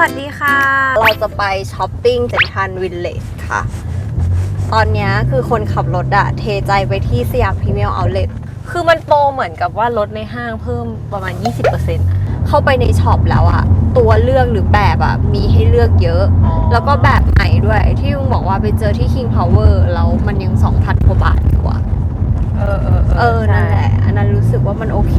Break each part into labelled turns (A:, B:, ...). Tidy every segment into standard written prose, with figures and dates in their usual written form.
A: วัสดีค่ะเราจะไปช้อปปิ้งเซ็นทรัลวิลเลจค่ะตอนนี้คือคนขับรถอะเทใจไปที่สยามพรีเมียมเอาท์เล็ตคือมันโปรเหมือนกับว่าลดในห้างเพิ่มประมาณ 20% เข้าไปในช็อปแล้วอะตัวเลือกหรือแบบอะมีให้เลือกเยอะแล้วก็แบบใหม่ด้วยที่ลุงบอกว่าไปเจอที่ King Power แล้วมันยัง 2,000 กว่าบาทกว่านั่นแหละอันนั้นรู้สึกว่ามันโอเค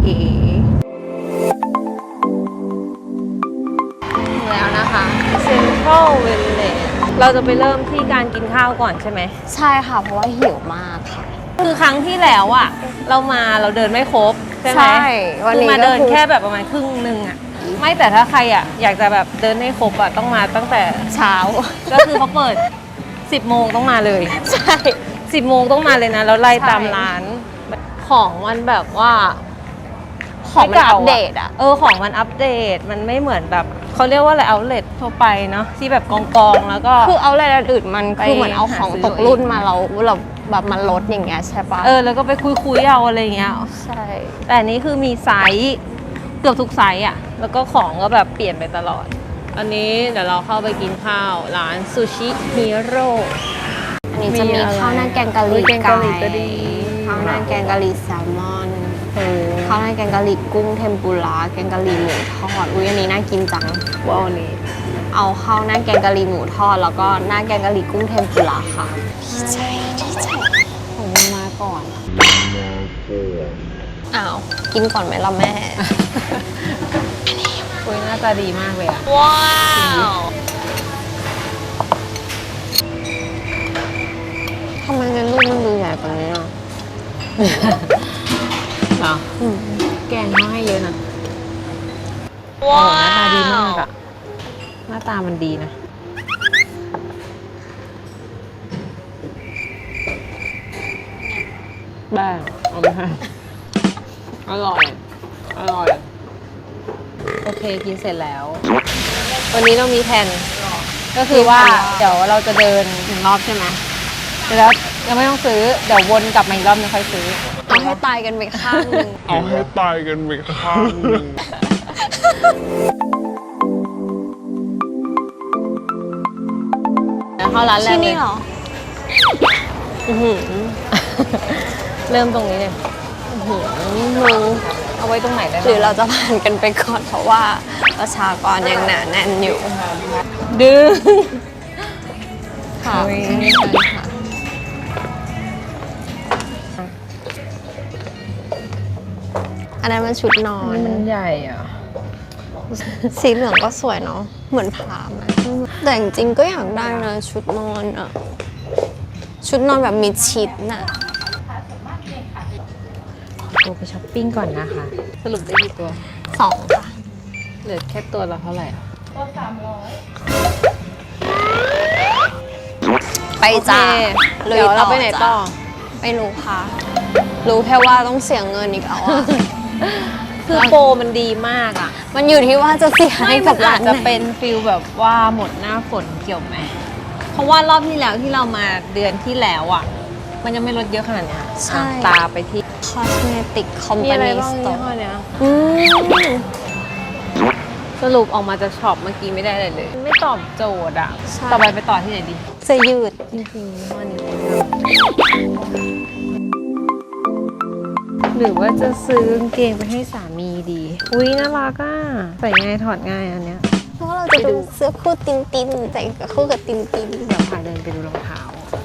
A: แล้วนะคะเซ็นทรัลวิลเลจเราจะไปเริ่มที่การกินข้าวก่อนใช่ไหมใช่ค่ะเพราะว่าหิวมากค่ะคือครั้งที่แล้วอ่ะเราเดินไม่ครบใช่ไหมใช่วันนี้มาเดินแค่แบบประมาณครึ่งนึงอ่ะไม่แต่ถ้าใครอ่ะอยากจะแบบเดินให้ครบอ่ะต้องมาตั้งแต่เช้าก็คือเขาเปิด 10 โมงต้องมาเลยใช่10 โมงต้องมาเลยนะแล้วไล่ตามร้านของมันแบบว่าของมันอัปเดตอ่ะของมันอัปเดตมันไม่เหมือนแบบเขาเรียกว่าอะไรเอาท์เล็ตทั่วไปเนาะที่แบบกองแล้วก็คือเอาท์เล็ตอื่นมันคือเหมือนเอาของตกรุ่นมาเราแบบมันลดอย่างเงี้ยใช่ปะแล้วก็ไปคุยเอาอะไรเงี้ยใช่แต่อันนี้คือมีไซส์เกือบทุกไซส์อ่ะแล้วก็ของก็แบบเปลี่ยนไปตลอดอันนี้เดี๋ยวเราเข้าไปกินข้าวร้านซูชิฮีโร่อันนี้จะมีข้าวหน้าแกงกะหรี่ไก่ข้าวหน้าแกงกะหรี่แซลมอนข้าวหน้าแกงกะหรี่กุ้งเทมปุระแกงกะหรี่หมูทอดอันนี้น่ากินจังว้าวนี่เอาข้าวหน้าแกงกะหรี่หมูทอดแล้วก็หน้าแกงกะหรี่กุ้งเทมปุระค่ะดีใจผมมาก่อนอ้าวกินก่อนไหมล่ะแม่หน้าตาดีมากเลยอ่ะว้าวทำไมในรูปมันดูใหญ่กว่านี้อ่ะแกงเขาให้เยอะนะว้าวหน้าตาดีมากอะหน้าตามันดีนะแบ้เอาไปค่ะอร่อยโอเคกินเสร็จแล้ววันนี้เรามีแผนก็คือว่าเดี๋ยวเราจะเดิน1 รอบใช่ไหมแล้วยังไม่ต้องซื้อเดี๋ยววนกลับมาอีกรอบนึงค่อยซื้อเอาให้ตายกันไปข้างนึงเข้าร้านแรกที่นี่เหรอเริ่มตรงนี้เลยมึงเอาไว้ตรงไหนได้หรือเราจะผ่านกันไปก่อนเพราะว่าประชากรยังหนาแน่นอยู่ดึงค่ะอันนั้นมันชุดนอนมันใหญ่อ่ะสีเหลืองก็สวยเนาะเหมือนผ้าแต่จริงๆก็อยากได้นะชุดนอนอ่ะชุดนอนแบบมิดชิดน่ะไปช้อปปิ้งก่อนนะคะสรุปได้กี่ตัว2ค่ะเหลือแค่ตัวละเท่าไหร่ตัว300ไปจ้าเดี๋ยวเราไปไหนต่อไม่รู้ค่ะรู้แค่ว่าต้องเสียเงินอีกแล้วอ่ะคือโปรมันดีมากอ่ะมันอยู่ที่ว่าจะเสียให้กับร้านจะเป็นฟิลแบบว่าหมดหน้าฝนเกี่ยวไหมเพราะว่ารอบที่แล้วที่เรามาเดือนที่แล้วอ่ะมันยังไม่ลดเยอะขนาดนี้ใช่ตาไปที่ Cosmetic Company Store สรุปออกมาจากช็อปเมื่อกี้ไม่ได้เลยไม่ตอบโจทย์อ่ะต่อไปต่อที่ไหนดีเสื้อยืดจริงๆวันนี้หรือว่าจะซื้อกางเกงไปให้สามีดีอุ้ยน่ารักอ่ะใส่ง่ายถอดง่ายอันเนี้ยเพราะเราจะดูเสื้อคู่ตินใส่กับคู่กับตินเดี๋ยวพาเดินไปดูรองเท้า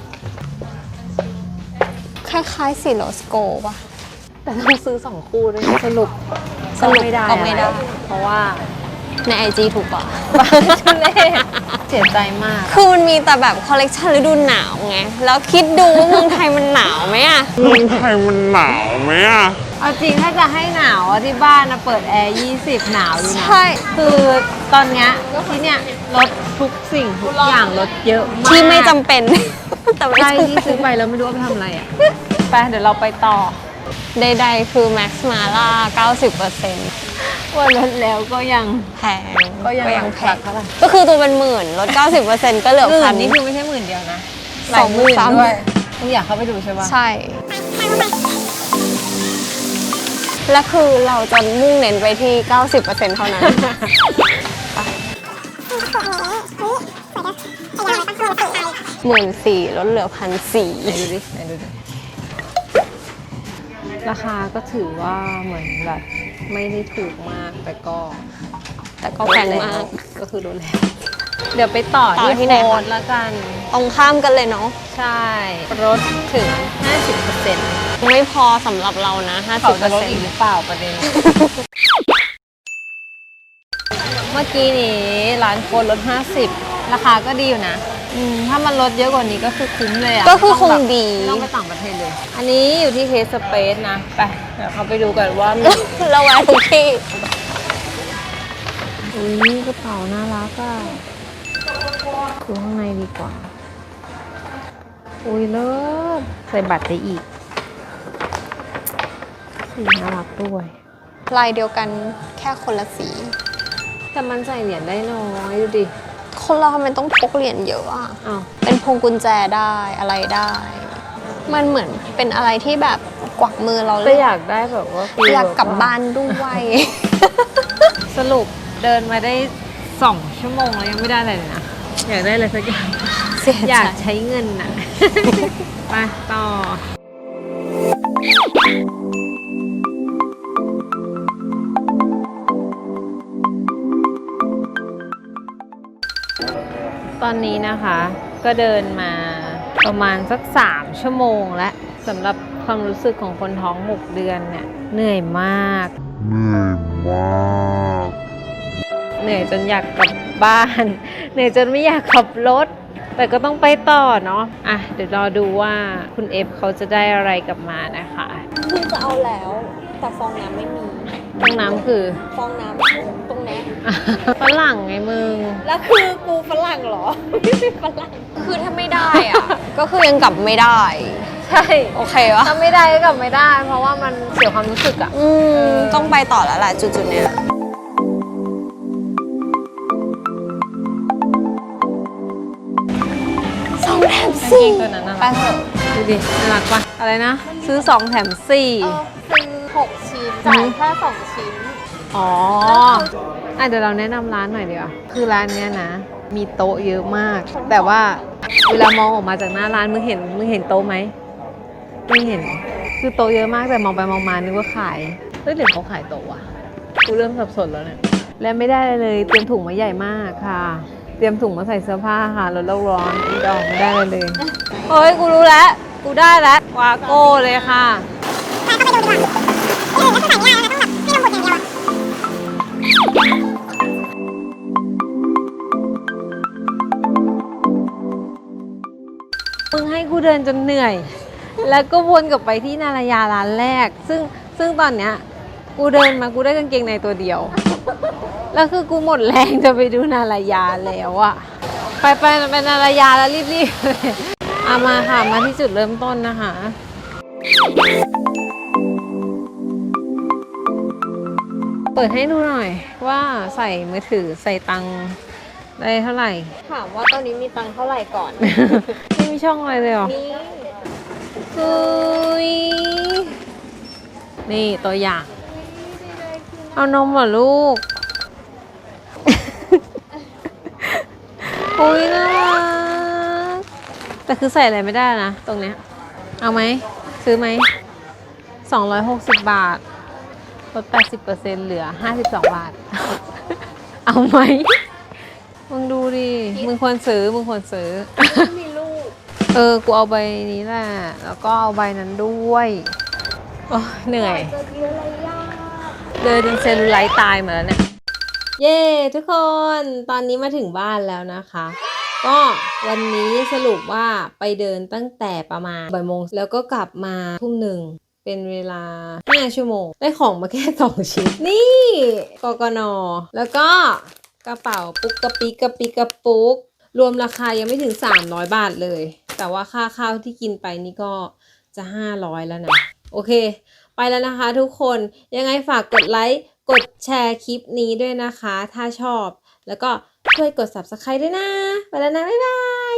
A: คล้ายๆสีโลสโกป่ะแต่ต้องซื้อ2 คู่ด้วยสรุปไม่ได้เพราะว่าใน IG ถูกกว่าเสียใจมากคือมันมีแต่แบบคอลเลกชันฤดูหนาวไงแล้วคิดดูว่าเมืองไทยมันหนาวไหมอะเอาจริงถ้าจะให้หนาวที่บ้านนะเปิดแอร์20หนาวอยู่นะใช่คือตอนเนี้ยที่เนี้ยลดทุกสิ่งทุกอย่างลดเยอะมากที่ไม่จำเป็นแต่ใช่ที่ซื้อไปแล้วไม่รู้ว่าไปทำอะไรอ่ะไปเดี๋ยวเราไปต่อใดๆคือ Max Mara 90%ว่าลดแล้วก็ยังแพงก็คือตัวเป็น10,000ลด 90% ก็เหลือ1,000นี่คือไม่ใช่10,000เดียวนะหลายหมื่นด้วยต้องอยากเข้าไปดูใช่ปะใช่และคือเราจะมุ่งเน้นไปที่ 90% เท่านั้น
B: 14,000ลดเหลือ1,400
A: ไหนดูดิไหนดูดิราคาก็ถือว่าเหมือนแบบไม่ได้ถูกมากแต่ก็
B: แพงมาก
A: ก็คือดูแลเดี๋ยวไปต่อที่ไหนละกัน
B: ตรงข้ามกันเลยเนาะ
A: ใช่ลดถึง 50%
B: ไม่พอสำหรับเรานะ
A: เขาจะลดอีกหรือเปล่าประเด็น เมื่อกี้นี้ร้านโคนลด 50 ราคาก็ดีอยู่นะถ้ามันลดเยอะกว่านี้ก็คือคุ้มเลยอ่ะ
B: ก็คือคงดี
A: ไม่ต้องไปต่างประเทศเลย อันนี้อยู่ที่เคสสเปซนะ ไปเดี๋ยวเขาไปดูกันว่ามี
B: เราแวะทุกที่
A: อุ้ยกระเป๋าน่ารักอ่ะดูข้างในดีกว่า อุ้ยเลิศใส่บัตรได้อีกสีน่ารักด้วย
B: ลายเดียวกันแค่คนละสี
A: แต่มันใส่เหรียญได้น้อยดูดิ
B: คนเราทำไมต้องพกเหรียญเยอะอ่ะ
A: อ้าว
B: เป็นพวงกุญแจได้อะไรได้ มันเหมือนเป็นอะไรที่แบบกวักมือเราเล
A: ก็
B: ย
A: อยากได้แบบว่า
B: อยากกลับบ้านด้วย
A: สรุปเดินมาได้2 ชั่วโมงแล้วยังไม่ได้อะไรเลยนะ อยากได้อะไรสักอย่าง
B: เสีย
A: อ
B: ใจ
A: ยากใช้เงินน่ะ ไปต่อ ตอนนี้นะคะก็เดินมาประมาณสัก3 ชั่วโมงแล้วสำหรับความรู้สึกของคนท้อง6 เดือนเนี่ยเหนื่อยมาก เหนื่อยจนอยากกลับบ้าน เหนื่อยจนไม่อยากขับรถ แต่ก็ต้องไปต่อเนาะอ่ะเดี๋ยวรอดูว่าคุณเอฟเขาจะได้อะไรกลับมานะคะ
B: คือจะเอาแล้ว แต่ฟองน้ำไม่มี
A: ห้องน้ำคือ
B: ฟองน้ำตรงนี้
A: ฝรั่งไงมึง
B: แล้วคือกูฝรั่งเหรอ ไม่ใช่ฝรั่ง คือถ้าไม่ได้อ่ะ ก็คือยังกลับไม่ได้
A: ใช่
B: โอเควะ
A: ถ้าไม่ได้ก็กลับไม่ได้ เพราะว่ามันเสียความรู้สึกอะ
B: ต้องไปต่อแล้วแหละจุดๆเนี้ย2 แถม
A: กางเกงตัวนั้นน่ะ
B: ไปเถอะ
A: ดูดิน่ารักปะอะไรนะ ซื้อ2 แถม 4
B: ซื้อ6 ชิ้นจ่ายแค่2 ชิ้น
A: อ๋อเดี๋ยวเราแนะนำร้านหน่อยดีกว่าคือร้านเนี้ยนะ มีโต๊ะเยอะมาก แต่ว่าเวลามองออกมาจากหน้าร้านมึงเห็นโต๊ะไหมไม่เห็น คือโต๊ะเยอะมากแต่มองไปมองมานึกว่าขายเฮ้ยหรือเขาขายโต๊ะวะกูเริ่มสับสนแล้วเนี่ยและไม่ได้เลยเตรียมถุงมาใหญ่มากค่ะ เตรียมถุงมาใส่เสื้อผ้าค่ะลดโลกร้อนอีดอกไม่ได้เลยเฮ้ยกูรู้แล้วกูได้แล้ววาโก้เลยค่ะมึงให้กูเดินจนเหนื่อย แล้วก็วนกลับไปที่นารายาร้านแรก ซึ่งตอนเนี้ยกูเดินมากูได้กางเกงในตัวเดียว แล้วคือกูหมดแรงจะไปดูนารายาแล้วอะไปนารายาแล้วรีบๆเลยเอามาค่ะมาที่จุดเริ่มต้นนะคะ เปิดให้ดูหน่อยว่าใส่มือถือใส่ตังค์ได้เท่าไหร่
B: ถามว่าตอนนี้มีตังค์เท่าไหร่ก่อน
A: ไม่มีช่องอะไรเลยเหรอ
B: นี่
A: เฮ้ยนี่ตัวอย่าง เอานมเหรอลูก อุ้ยน่ารักแต่คือใส่อะไรไม่ได้นะตรงเนี้ย เอาไหม ซื้อไหม 260 บาทลด 80% เหลือ 52 บาท เอาไหม มึงดูดิ มึงควรซื้อ
B: มีลูก
A: กูเอาใบนี้แหละ แล้วก็เอาใบนั้นด้วยโอ้เหนื่อย
B: จะกินอะไรยาก
A: เดินจนเซลลูไลท์ตายหมาแล้วเนี่ย เย้ทุกคนตอนนี้มาถึงบ้านแล้วนะคะ ก็วันนี้สรุปว่าไปเดินตั้งแต่ประมาณบ่ายโมงแล้วก็กลับมาทุ่มหนึ่งเป็นเวลา5 ชั่วโมง ได้ของมาแค่ 2 ชิ้น นี่กกน. แล้วก็กระเป๋าปุ๊กกระปิกกระปิกกระปุก รวมราคายังไม่ถึง300 บาทเลย แต่ว่าค่าข้าวที่กินไปนี่ก็จะ500แล้วนะ โอเค ไปแล้วนะคะทุกคน ยังไงฝากกดไลค์ กดแชร์คลิปนี้ด้วยนะคะ ถ้าชอบ แล้วก็ช่วยกด Subscribe ด้วยนะ ไปแล้วนะ บ๊ายบาย